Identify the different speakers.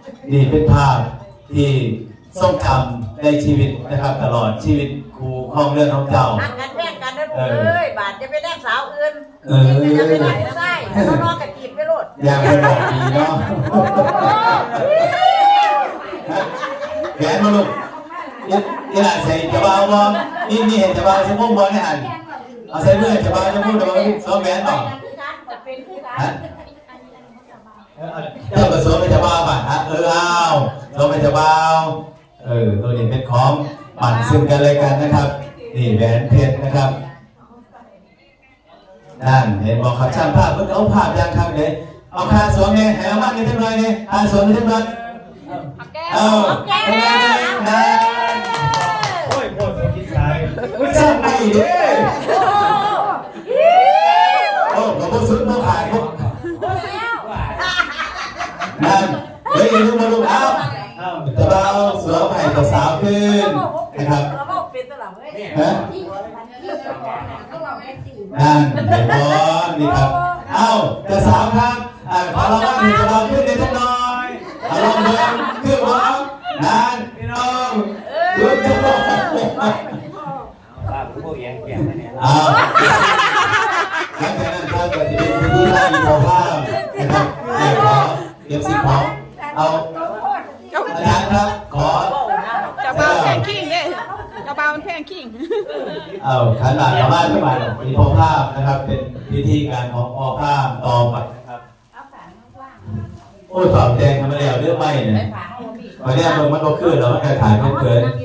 Speaker 1: นี่เป็นภาพที่ทรงจำในชีวิตนะครับตลอดชีวิตครูข้องเรื่องของเจ้า
Speaker 2: หักกันแย่งกันนะลูกเอ้ยบาดจะไปแย่งสาวอื่นนี่จะไปแย่งไส้แล้วนอนกับจีบไปโลด
Speaker 1: อย่างเป็นบอกดีเนาะแขนมาลูกนี่แหละใส่จะเบาบอลนี่เห็นจะเบาจะมุ่งบอลให้หันเอาใส่เมื่อจะเบาจะมุ่งจะเบาซ้อมแขนต่อฮะเออซ้อมไม่จะเบาป่ะฮะเอาซ้อมไม่จะเบาตัวนี้เป็นของปั่นซึ่งกันเลยกันนะครับนี่แหวนเพชรนะครับนั่นเห็นบอกขับช่างภาพเพิ่งเอาภาพยังครับเนี่ยเอาคาสวมเนี่ยแหวมันกันเท่าไรเนี่ยคาสวมเท่าไรเอาแก้นะ
Speaker 3: โอ้ยโคตรกินสาย
Speaker 1: ไม่ใช่ไงเด้โอ้กับพวกซุดพวกขายพวกนั่นเฮ้ยลูกมาลูกเอาจะเบาสวมให้กับสาวขึ้นนะครับฮะนั่นเห็นบอลนี่ครับเอาจะสาวครับพอเราว่าถึงจะเบาขึ้นในทุกน้อยเอาลองเดินขึ้นบอลนั่นพี่น้องลุกจะลง
Speaker 3: บ้าพวกแย่งเนี่ย
Speaker 1: เอาหลังจากนั้นครับจะเป็นพิธีให้อีกภาพนะครับเก็บสิ่งของเอาอาจารย์ครับขอ
Speaker 4: จะเบาแพงขิงเนี่ยจะเบาแพงขิง
Speaker 1: เอาขันหลังชาวบ้านขึ้นมามีพอภาพนะครับเป็นพิธีการของพอภาพต่อไปนะครับโอ้ยฝาแดงทำไมแล้วเรื่องไม่เนี่ยมาเนี่ยมันก็ขึ้นแล้วมันก็ถ่ายเพื่อน